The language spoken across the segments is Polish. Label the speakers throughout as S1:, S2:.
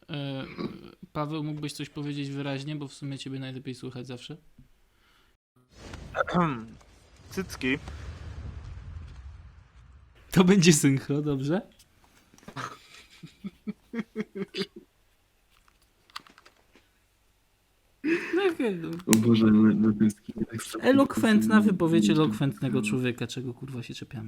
S1: E, Paweł, mógłbyś coś powiedzieć wyraźnie, bo w sumie ciebie najlepiej słychać zawsze.
S2: Cycki.
S1: To będzie synchro, dobrze?
S3: O Boże, ale to jest ekstra.
S1: Elokwentna wypowiedź elokwentnego człowieka, czego kurwa się czepiamy.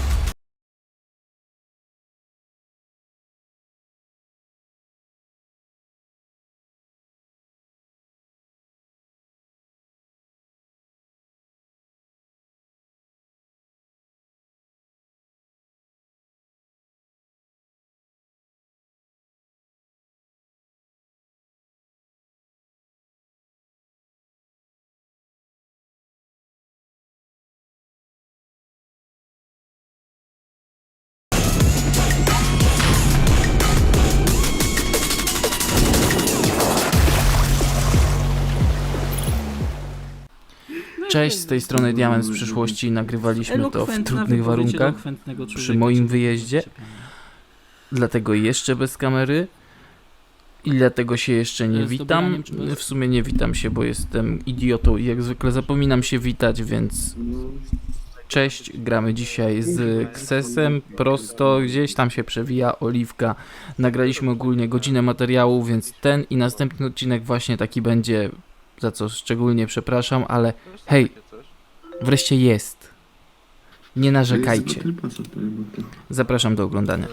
S1: Cześć, z tej strony Diament z przyszłości. Nagrywaliśmy to w trudnych warunkach przy moim wyjeździe, dlatego jeszcze bez kamery i dlatego się jeszcze nie witam. W sumie nie witam się, bo jestem idiotą i jak zwykle zapominam się witać, więc cześć. Gramy dzisiaj z Ksesem, prosto gdzieś tam się przewija Oliwka. Nagraliśmy ogólnie godzinę materiału, więc ten i następny odcinek właśnie taki będzie, za co szczególnie przepraszam, ale hej, wreszcie jest. Nie narzekajcie. Zapraszam do oglądania.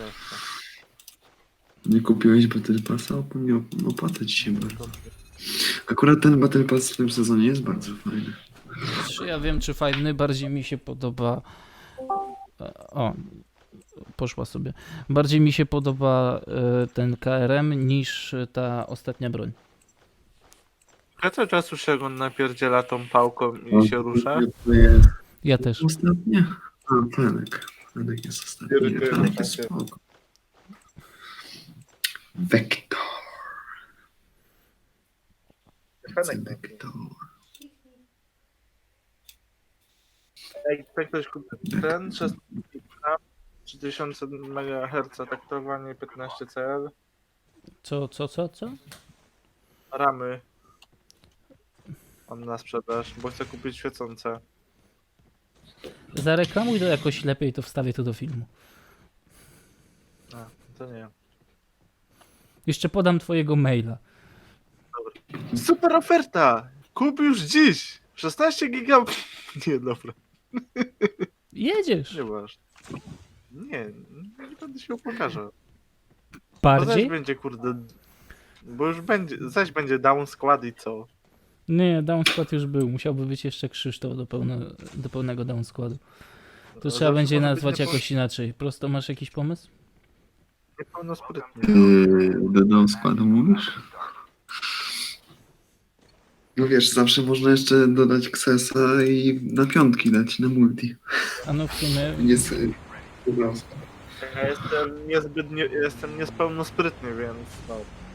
S3: Nie kupiłeś Battle Passa? Nie opłaca ci się bardzo. Akurat ten Battle Pass w tym sezonie jest bardzo fajny.
S1: Czy ja wiem, czy fajny, bardziej mi się podoba... O, poszła sobie. Bardziej mi się podoba ten KRM niż ta ostatnia broń.
S2: Ja cały czas słyszę, jak on napierdziela tą pałką i się rusza.
S3: To jest
S1: Ja też.
S3: ostatnia? A, Fenek. Fenek jest ostatni. Fenek jest spoko. Vector. Vector.
S2: Jak ktoś kupi ten 3000 MHz taktowanie 15 CL,
S1: Co?
S2: ramy mam na sprzedaż, bo chcę kupić świecące.
S1: Zareklamuj to jakoś lepiej, to wstawię to do filmu.
S2: A, to nie.
S1: Jeszcze podam twojego maila.
S2: Super oferta! Kup już dziś! 16 giga... Nie, dobra.
S1: Jedziesz.
S2: Nie masz. Nie będę się pokaże. Bo zaś
S1: Bardziej?
S2: będzie, kurde... Bo już będzie, zaś będzie down skład i co?
S1: Nie, down skład już był. Musiałby być jeszcze Krzysztof do pełnego down składu. To
S2: No,
S1: trzeba
S2: zawsze
S1: będzie
S2: może być
S1: nazwać jakoś inaczej. Prosto masz jakiś pomysł?
S2: Niepełnosprytnie.
S3: Dodał składu, mówisz? No wiesz, zawsze można jeszcze dodać Ksesa i na piątki dać, na multi.
S1: A no w sumie
S3: Jest...
S2: Ja jestem niezbyt... jestem niespełnosprytny, więc no...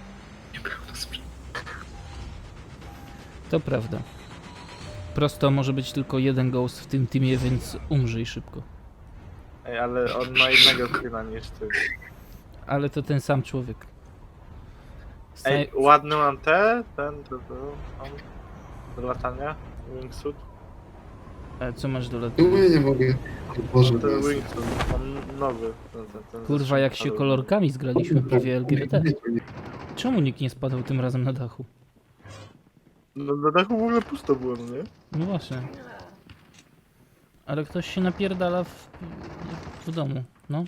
S1: to prawda. Prosto może być tylko jeden ghost w tym teamie, więc umrzyj szybko.
S2: Ej, ale on ma innego skina niż ty.
S1: Ale to ten sam człowiek.
S2: Ej, ładny mam ten, mam do latania, wingsuit.
S1: Co masz do lat?
S3: No ja nie mogę. O Boże,
S2: Ten wingsuit, mam nowy. Ten
S1: Kurwa, jak się
S2: ale-
S1: kolorkami zgraliśmy prawie LGBT. Czemu nikt nie spadał tym razem na dachu?
S2: No na dachu w ogóle pusto było, no nie?
S1: No właśnie. Ale ktoś się napierdala w domu, no.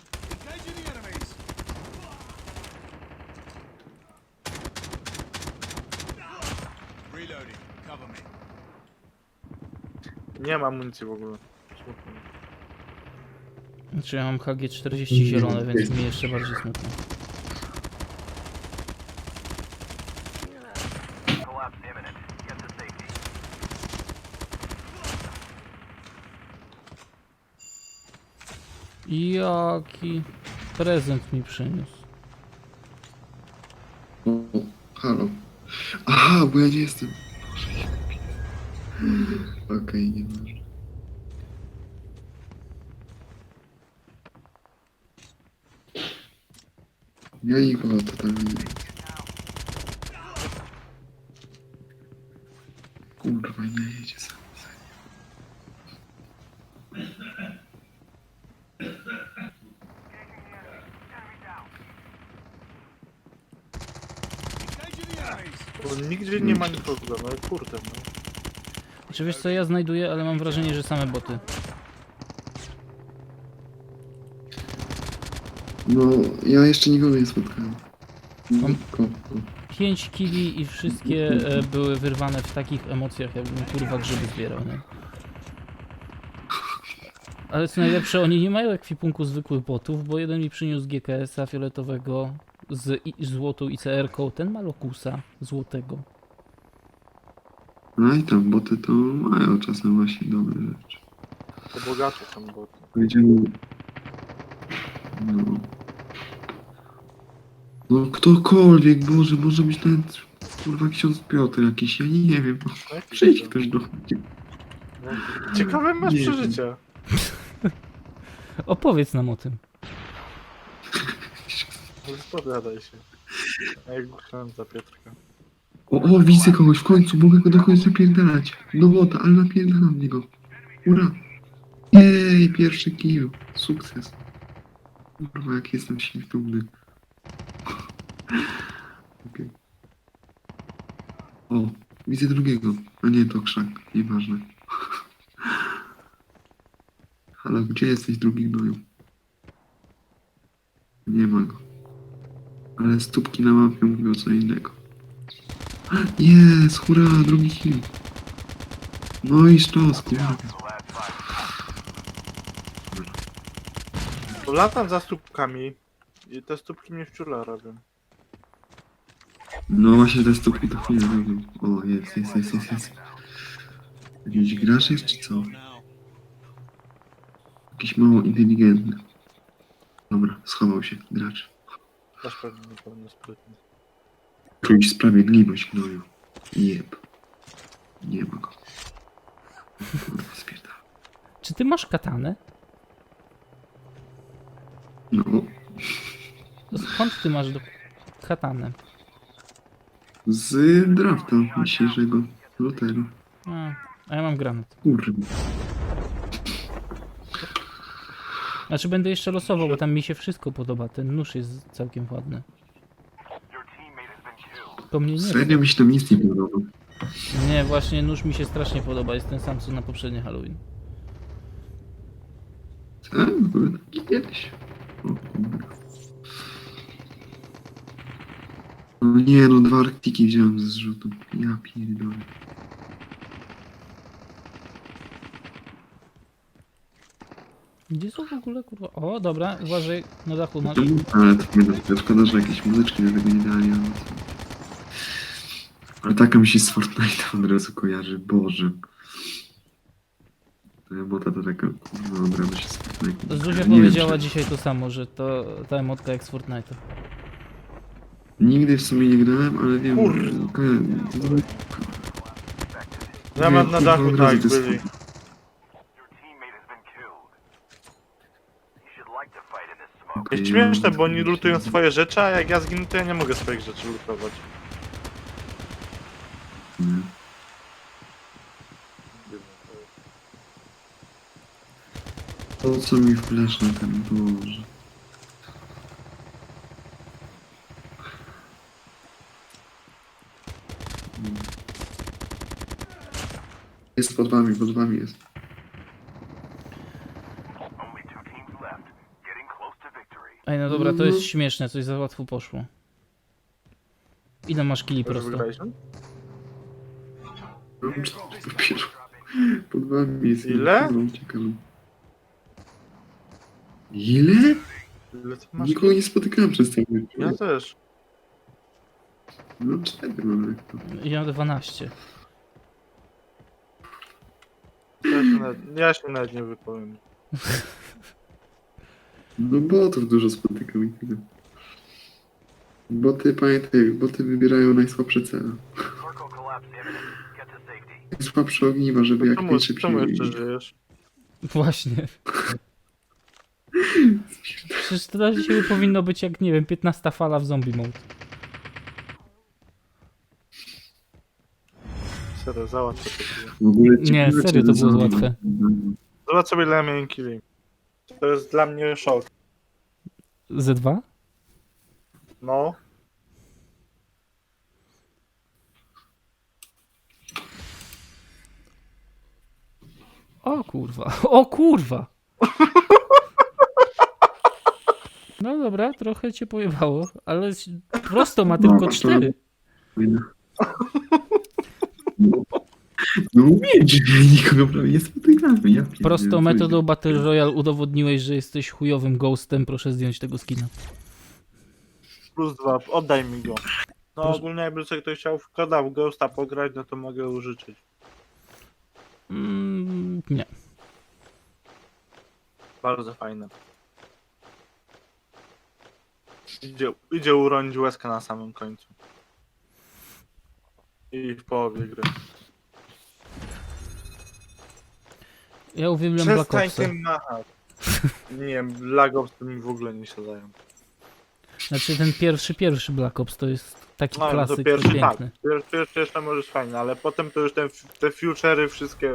S2: Nie ma amunicji w ogóle. Smutno.
S1: Znaczy ja mam HG40 zielone, więc mi jeszcze bardziej smutno. Jaki prezent mi przyniósł.
S3: O, halo. Aha, bo ja nie jestem. Boże, jaki. Okej, nie może. Ja nikogo totalnie nie. Kurwa, nie jedzie sam.
S2: Bo nigdzie nie ma nikogo, no kurde, no.
S1: Czy wiesz co ja znajduję, ale mam wrażenie, że same boty.
S3: No, ja jeszcze nikogo nie spotkałem.
S1: Mam-
S3: Nikogo.
S1: 5 kili i wszystkie były wyrwane w takich emocjach, jakbym kurwa grzyby zbierał, nie? Ale co najlepsze, oni nie mają ekwipunku zwykłych botów, bo jeden mi przyniósł GKS-a fioletowego z złotą ICR-ką, ten ma Locusa złotego.
S3: No i tam boty to mają czasem właśnie dobre rzeczy.
S2: To bogacze są boty.
S3: Powiedziałem... No... No ktokolwiek, Boże, może być ten kurwa ksiądz Piotr jakiś, ja nie wiem.
S2: No jak
S3: Przyjdź
S2: to?
S3: ktoś do mnie.
S2: No, ciekawe masz
S3: Nie.
S2: przeżycia.
S1: Opowiedz nam o tym.
S2: Spowiadaj się. A jak głuszałem za Piotrka.
S3: O, widzę kogoś, w końcu mogę go do kogoś zapierdalać. Do bota, ale napierdalam w niego. Ura. Jej, pierwszy kill. Sukces. Kurwa, jak jestem się dumny. Okej. O, widzę drugiego. A nie, to krzak. Nieważne. Ale gdzie jesteś, drugi gnoju? Nie ma go. Ale stópki na mapie mówią co innego. Jest, hurra, drugi kill. No i sztos, kurwa.
S2: To latam za stópkami i te stópki mnie wczula robią.
S3: No właśnie te stópki to chwilę robią. O, jest. Jakiś gracz jest czy co? Jakiś mało inteligentny. Dobra, schował się, gracz.
S2: Też pewnie niepełnosprytny.
S3: Czuć sprawiedliwość, gnoju. Jeb. Nie ma go. Kurwa, spierdala.
S1: Czy ty masz katanę?
S3: No,
S1: To skąd ty masz katanę?
S3: z drafta dzisiejszego lutego.
S1: A ja mam granat.
S3: Kurwa.
S1: Znaczy będę jeszcze losował, bo tam mi się wszystko podoba. Ten nóż jest całkiem ładny. To mnie nie.
S3: Serio mi się tam nic nie podoba.
S1: Nie, właśnie nóż mi się strasznie podoba. Jest ten sam co na poprzednie Halloween.
S3: Tak, były taki kiedyś. O, kurwa. No nie, no 2 arktiki wziąłem ze zrzutu. Ja pierdolę.
S1: Gdzie są w ogóle kurwa? O, dobra, uważaj, na dachu masz.
S3: Ale to nie to szkoda, że jakieś muzyczki do tego nie dali, ale co. Ale taka mi się z Fortnite'a od razu kojarzy, Boże. Ta emota to taka, kurwa, od razu się z Fortnite'a.
S1: Zuzia
S3: Nie wiem,
S1: powiedziała
S3: czy-
S1: dzisiaj to samo, że to ta emotka jak z Fortnite'a.
S3: Nigdy w sumie nie grałem, ale wiem,
S2: Kurwa. Ja
S3: Nie,
S2: mam na
S3: kurwa,
S2: dachu
S3: od razu
S2: tak
S3: to jest
S2: byli.
S3: okej,
S2: Jest śmieszne, bo oni lutują swoje rzeczy, a jak ja zginę, to ja nie mogę swoich rzeczy lutować.
S3: Nie. To co mi wlesz na ten, Boże. Jest pod wami jest.
S1: Ej, no dobra, to jest śmieszne, coś za łatwo poszło. Ile masz kili
S2: To już
S1: prosto?
S2: wygraliśmy?
S3: Mam 4 dopiero. Pod wami jest.
S2: Ile?
S3: No, uciekam. Ile?
S2: Ile ty masz?
S3: Nikogo nie spotykałem przez cały
S2: Ja też.
S3: No 4 mam jak to.
S1: Ja mam 12.
S2: Ja się nawet nie wypowiem.
S3: No botów dużo spotykam i tyle. Boty, pamiętaj, boty wybierają najsłabsze cele. Najsłabsze ogniwa, żeby jak najszybciej...
S2: Czemu jeszcze żyjesz?
S1: Właśnie. Przecież to dzisiaj powinno być jak, nie wiem, 15 fala w zombie mode.
S2: serio, załatw to.
S3: W ogóle
S1: Nie,
S3: ciekawe,
S1: serio,
S3: czy
S1: to było
S3: za-
S1: łatwe.
S2: Zobacz sobie, ile ja miałem killi. To jest dla mnie szok.
S1: Z2?
S2: No.
S1: O kurwa, o kurwa! No dobra, trochę cię pojebało, ale prosto ma tylko
S3: No, to-
S1: 4.
S3: No mówię, że nikogo prawie nie spotykamy. Ja pierdolę,
S1: Prosto
S3: co
S1: metodą
S3: się-
S1: Battle Royale udowodniłeś, że jesteś chujowym ghostem, proszę zdjąć tego skina.
S2: +2, oddaj mi go. No
S1: Proszę.
S2: ogólnie jakby sobie ktoś chciał w koda w Ghosta pograć, no to mogę użyczyć.
S1: Nie.
S2: Bardzo fajne. Idzie uronić łezkę na samym końcu. I w połowie gry.
S1: Ja uwielbiam Black
S2: Przestań
S1: Opsa.
S2: tym machać. Nie, Black Ops to mi w ogóle nie siadają.
S1: Znaczy ten pierwszy Black Ops to jest taki
S2: No, no to
S1: klasyk, to
S2: pierwszy tak.
S1: piękny.
S2: Pierwszy jeszcze możesz fajnie, ale potem to już te future'y wszystkie...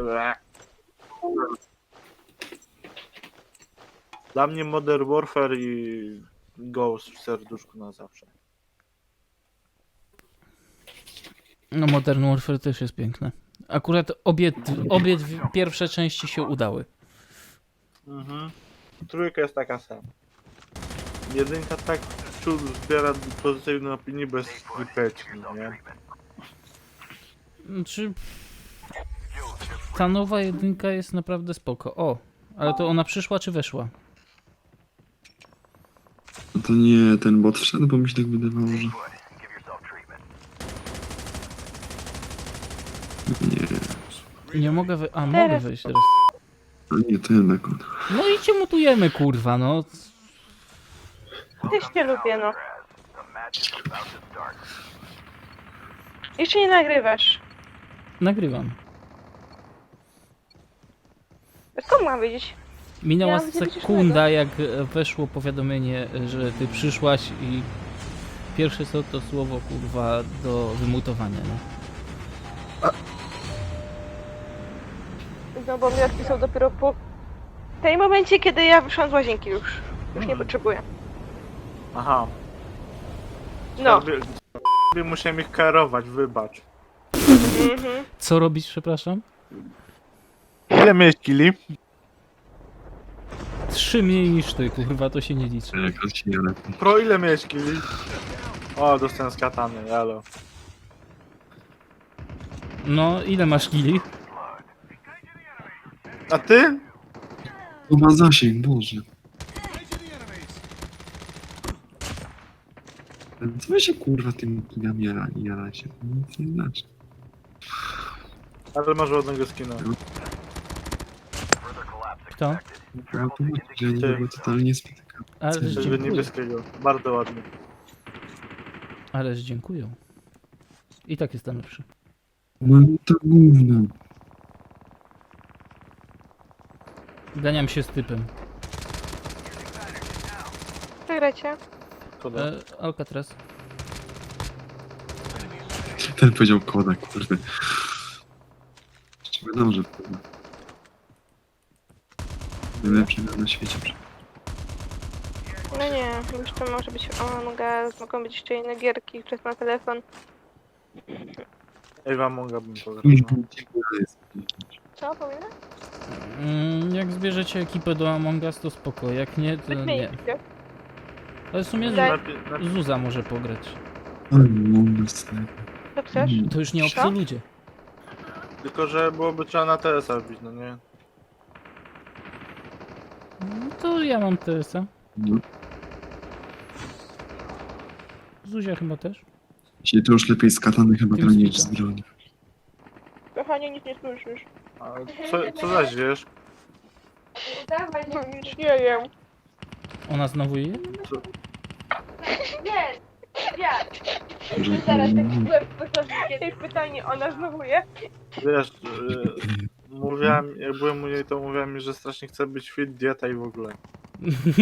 S2: Dla mnie Modern Warfare i Ghost w serduszku na zawsze.
S1: No Modern Warfare też jest piękne. Akurat obie pierwsze części się udały.
S2: Mhm. Trójka jest taka sama. Jedynka tak wciąż zbiera pozytywne opinie bez wypeczki, nie?
S1: Znaczy... Ta nowa jedynka jest naprawdę spoko. O, ale to ona przyszła czy weszła?
S3: No to nie, ten bot wszedł, bo mi się tak wydawało, że... Nie,
S1: Nie mogę mogę wejść teraz.
S3: a nie ten akon.
S1: No i cię mutujemy, kurwa, no.
S4: Też cię lubię, no. Jeszcze nie nagrywasz.
S1: Nagrywam.
S4: Skąd mam wiedzieć?
S1: Minęła
S4: Ja mam coś
S1: sekunda, jak weszło powiadomienie, że ty przyszłaś i pierwsze co to słowo, kurwa, do wymutowania, no.
S4: No bo mi odpisał dopiero po tej momencie, kiedy ja wyszłam z łazienki już. Już nie potrzebuję.
S2: Aha.
S4: No.
S2: Musiałem ich karować, wybacz.
S4: Mhm.
S1: Co robić, przepraszam?
S2: Ile miałeś killi?
S1: 3 mniej niż ty, kurwa, to się nie liczy.
S3: Jakaś się nie lepiej.
S2: Pro, ile miałeś killi? O, dostałem z katany, jalo.
S1: No, ile masz kili?
S2: A ty?
S3: To ma zasięg, Boże. Co wy się kurwa tym kigami jaracie? To nic nie znaczy.
S2: Ale masz ładnego skina.
S1: Kto?
S3: Ja to mówię, że ja
S2: Ty.
S3: nie totalnie spotykam.
S1: Ależ
S3: Żeby
S2: Żeby
S1: dziękuję.
S2: niebieskiego. Bardzo ładny.
S1: Ależ dziękuję. I tak jest lepszy.
S3: No to gówno.
S1: Ganiam się z typem.
S4: Co gracie?
S2: Koda.
S1: Alcatraz.
S3: Ten powiedział koda, kurde. Jeszcze wiadomo, że koda. Najlepszy gra na świecie.
S4: No nie, już to może być Among Us, mogą być jeszcze inne gierki, czas na telefon.
S2: Ej, wam mogłabym pograć.
S3: Już
S2: No.
S3: jest.
S4: Co, powinna?
S1: Jak zbierzecie ekipę do Among Us, to spoko. Jak nie, to
S4: Wyśmiej
S1: nie.
S4: się.
S1: Ale w sumie
S4: Daj.
S1: Zuza może pograć.
S3: Ale mogę sobie.
S4: Co chcesz?
S1: To już nie
S4: Co?
S1: obcy ludzie.
S2: Tylko, że byłoby trzeba na TS-a wbić, no nie?
S1: No to ja mam TS-a.
S3: No.
S1: Zuzia chyba też.
S3: Dzisiaj to już lepiej z katany chyba
S1: Tym
S3: gra niż
S1: spita.
S3: z broni.
S4: Kochanie, nic nie słyszysz.
S2: A co zaś wiesz?
S4: No, nic nie wiem.
S1: Ona znowu je?
S3: Że,
S4: Ej, pytanie, ona znowu je?
S2: Wiesz, mówiłem, jak byłem u niej, to mówiłem mi, że strasznie chce być fit, dieta i w ogóle.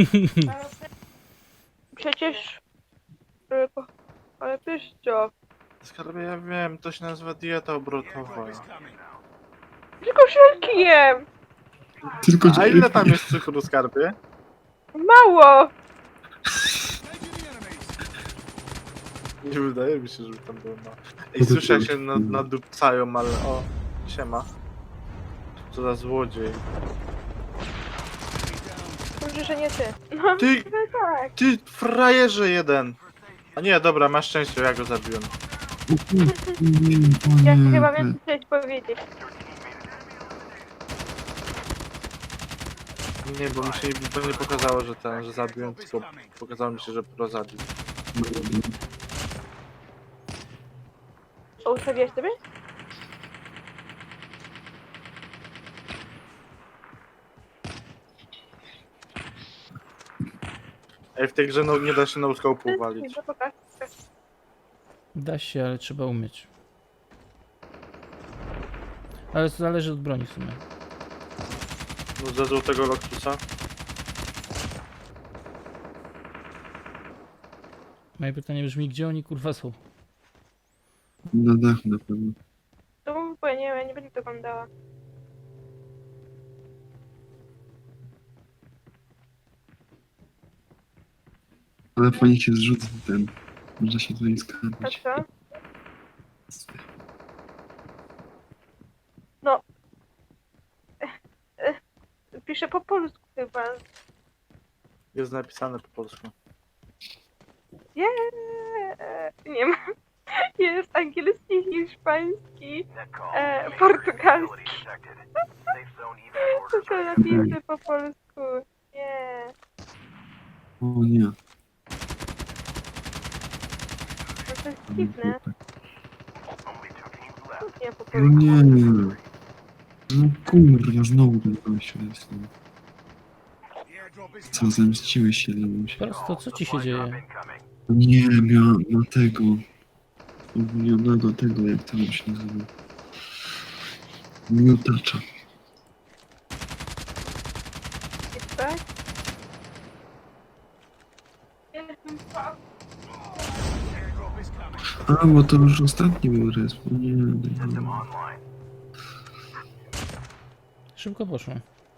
S4: Przecież... Ale wiesz co?
S2: Skarbie, ja wiem, to się nazywa dieta obrotowa.
S4: Tylko żelki jem!
S3: Tylko
S2: A ile tam jest cukru, skarbie?
S4: Mało!
S2: Nie wydaje mi się, żeby tam było mało. Ej, słyszę jak się nadupcają, ale o, siema. Co za złodziej.
S4: Dobrze, że nie ty. No,
S2: Ty,
S4: tak.
S2: ty frajerze jeden! A nie, dobra, masz szczęście, ja go zabiłem.
S4: Ja chyba wiem, co chciałeś powiedzieć.
S2: Nie, bo mi się to nie pokazało, że zabiłem, tylko pokazało mi się, że pro zabił.
S4: O, ustawiasz sobie?
S2: Ej, w tej grze no, nie da się no scope'u walić.
S4: No pokaż.
S1: Da się, ale trzeba umieć. Ale to zależy od broni w sumie.
S2: No ze złotego Loctusa.
S1: Moje pytanie brzmi, gdzie oni kurwa są?
S3: Na dachu na pewno.
S4: To bo ja nie będę oglądała.
S3: Ale fajnie się zrzuca ten. Można się tutaj
S4: A
S3: skarbić.
S4: co? No. Piszę po polsku chyba.
S2: Jest napisane po polsku.
S4: Nie ma. Jest angielski, hiszpański, portugalski. Tylko napisy po polsku. Nie.
S3: O nie.
S4: No to jest dziwne. Nie po
S3: No
S4: polsku.
S3: nie. No kurwa, znowu ten gościu jest. No. Co, zemściłeś się na się.
S1: Prosto, co ci się dzieje?
S3: Nie, miałem na tego. Ogólnionego tego, jak to się nazywa. Miotacza.
S4: Jest tak?
S3: A, bo to już ostatni był resp. Nie, nie.
S1: Szybko poszło.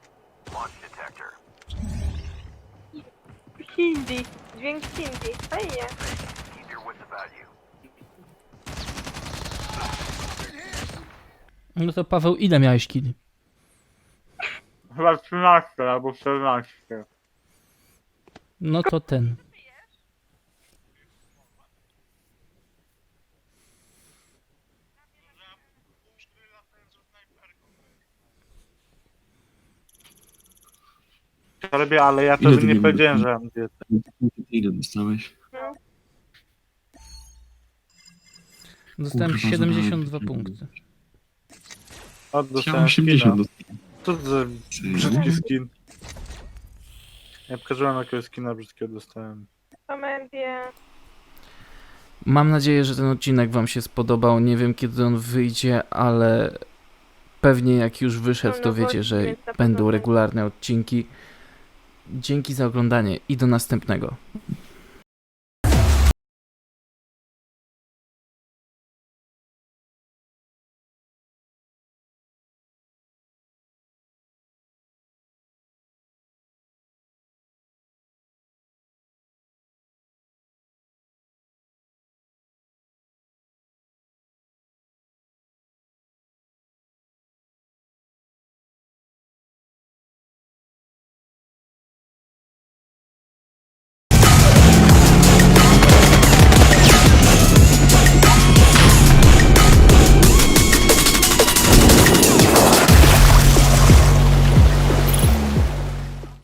S4: Hindi. Dźwięk hindi. Fajnie.
S1: No to Paweł, ile miałeś kili?
S2: Chyba 13 albo 14.
S1: No to ten.
S2: Skarbie, ale ja
S3: Ile
S2: tobie
S3: ty
S2: nie
S3: nie
S2: powiedziałem,
S3: mówisz?
S2: że mam dietę.
S3: Ile dostałeś?
S1: Dostałem
S3: Kurwa,
S1: 72
S3: zabrałem.
S1: punkty.
S2: O,
S3: Ja
S2: dostałem
S3: 80
S2: skina.
S3: dostałem.
S2: Co to za brzydki skin? Ja pokażę jakiego skina brzydkiego dostałem.
S4: Komedię.
S1: Mam nadzieję, że ten odcinek wam się spodobał. Nie wiem, kiedy on wyjdzie, ale pewnie jak już wyszedł, to wiecie, że
S4: Więc na pewno
S1: będą
S4: będzie.
S1: regularne odcinki. Dzięki za oglądanie i do następnego.